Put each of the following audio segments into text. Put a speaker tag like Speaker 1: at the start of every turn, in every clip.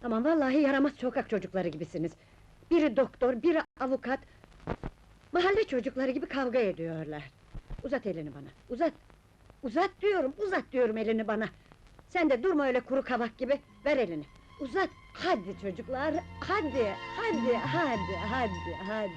Speaker 1: Aman vallahi yaramaz sokak çocukları gibisiniz. Biri doktor, biri avukat. Mahalle çocukları gibi kavga ediyorlar. Uzat elini bana, uzat! Uzat diyorum elini bana! Sen de durma öyle kuru kavak gibi, ver elini! Uzat! Hadi çocuklar, hadi! Hadi!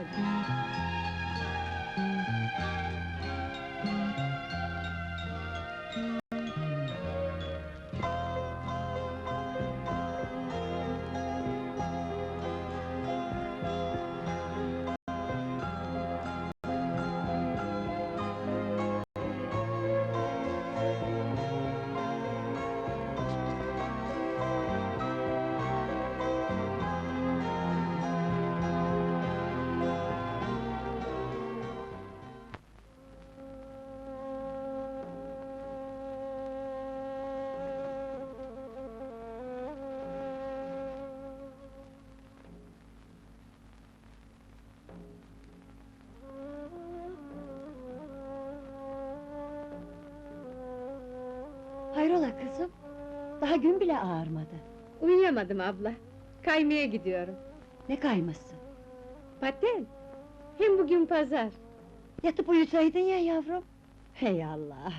Speaker 1: Hayrola kızım? Daha gün bile ağarmadı.
Speaker 2: Uyuyamadım abla. Kaymaya gidiyorum.
Speaker 1: Ne kayması?
Speaker 2: Paten. Hem bugün pazar.
Speaker 1: Yatıp uyusaydın ya yavrum! Hey Allah!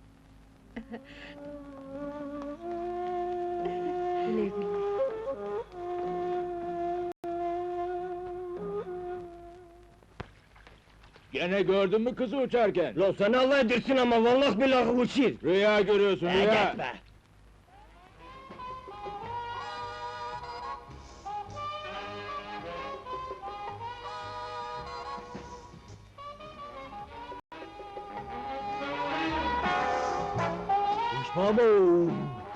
Speaker 1: Güle güle!
Speaker 3: Gene gördün mü kızı uçarken?
Speaker 4: Lan sen Allah edirsin ama vallahi billahi uçur!
Speaker 3: Rüya görüyorsun, rüya!
Speaker 4: Gitme! Uçma bu!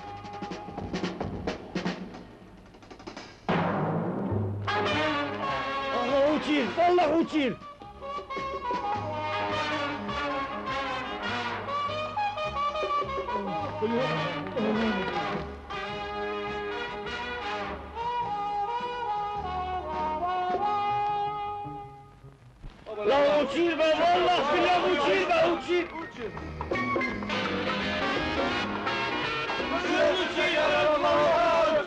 Speaker 4: Allah uçur, vallahi uçur! La uçur be, vallahi billahi uçur be, uçur! Uçur ya Allah!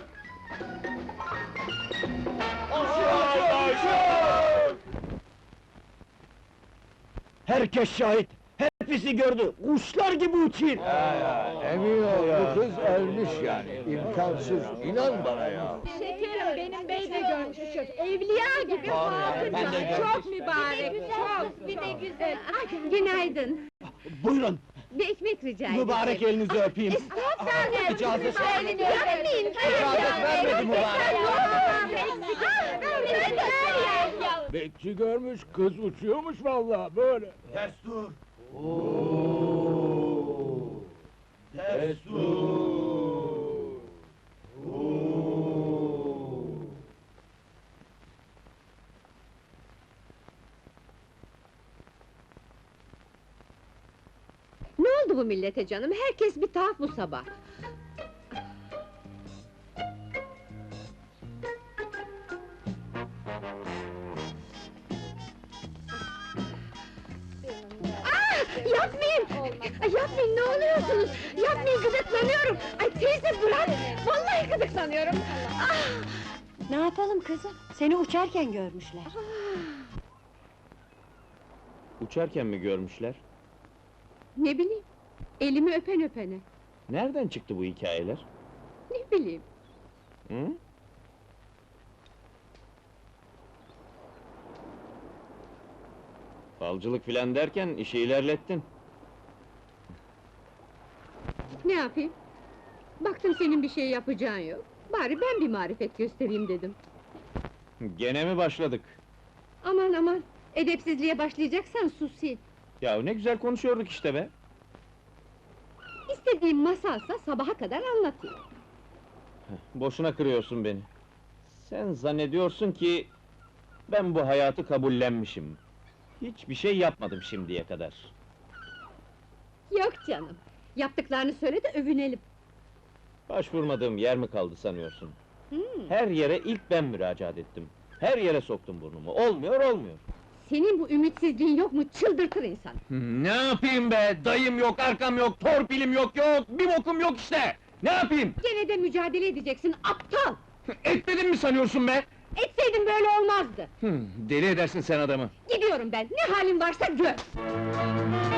Speaker 4: Herkes şahit, hepsi gördü, kuşlar gibi uçur!
Speaker 3: Emin ol, bu kız ölmüş yani, imkansız, inan bana ya!
Speaker 2: Şekerim, benim bey de görmüş bu çocuk. Evliya gibi hatun, çok mübarek, çok! Bir de güzel. Günaydın.
Speaker 4: Buyurun,
Speaker 2: Bir ekmek rica ederim.
Speaker 4: mübarek elinizi öpeyim!
Speaker 2: Estağfurullah!
Speaker 4: İcazet-
Speaker 2: Yapmayın!
Speaker 4: İcazet vermedi mübarek!
Speaker 3: Bekçi görmüş, kız uçuyormuş vallahi böyle!
Speaker 4: Destur! Destur!
Speaker 2: Ne oldu bu millete canım? Herkes bir tuhaf bu sabah. Yapmayın! Yapmayın, ne oluyorsunuz? Yapmayın, gıdıklanıyorum! Ay teyze bırak! Vallahi gıdıklanıyorum!
Speaker 1: Ne yapalım kızım? Seni uçarken görmüşler.
Speaker 4: Uçarken mi görmüşler?
Speaker 2: Ne bileyim, elimi öpen öpene.
Speaker 4: Nereden çıktı bu hikayeler?
Speaker 2: Ne bileyim.
Speaker 4: Hı? Falcılık filan derken işi ilerlettin.
Speaker 2: Ne yapayım? Baktım senin bir şey yapacağın yok. Bari ben bir marifet göstereyim dedim.
Speaker 4: Gene mi başladık?
Speaker 2: Aman aman, edepsizliğe başlayacaksan susi.
Speaker 4: Ya ne güzel konuşuyorduk işte be!
Speaker 2: İstediğin masalsa sabaha kadar anlatayım.
Speaker 4: Boşuna kırıyorsun beni. Sen zannediyorsun ki... ben bu hayatı kabullenmişim. Hiçbir şey yapmadım şimdiye kadar.
Speaker 2: Yok canım, yaptıklarını söyle de övünelim.
Speaker 4: Başvurmadığım yer mi kaldı sanıyorsun?
Speaker 2: Hmm,
Speaker 4: Her yere ilk ben müracaat ettim. Her yere soktum burnumu. Olmuyor, olmuyor.
Speaker 2: senin bu ümitsizliğin yok mu, çıldırtır insan.
Speaker 4: Ne yapayım be? Dayım yok, arkam yok, torpilim yok, bir bokum yok işte! Ne yapayım?
Speaker 2: Gene de mücadele edeceksin, aptal!
Speaker 4: Etmedin mi sanıyorsun be?
Speaker 2: Etseydin böyle olmazdı.
Speaker 4: Deli edersin sen adamı.
Speaker 2: Gidiyorum ben, ne halin varsa gör!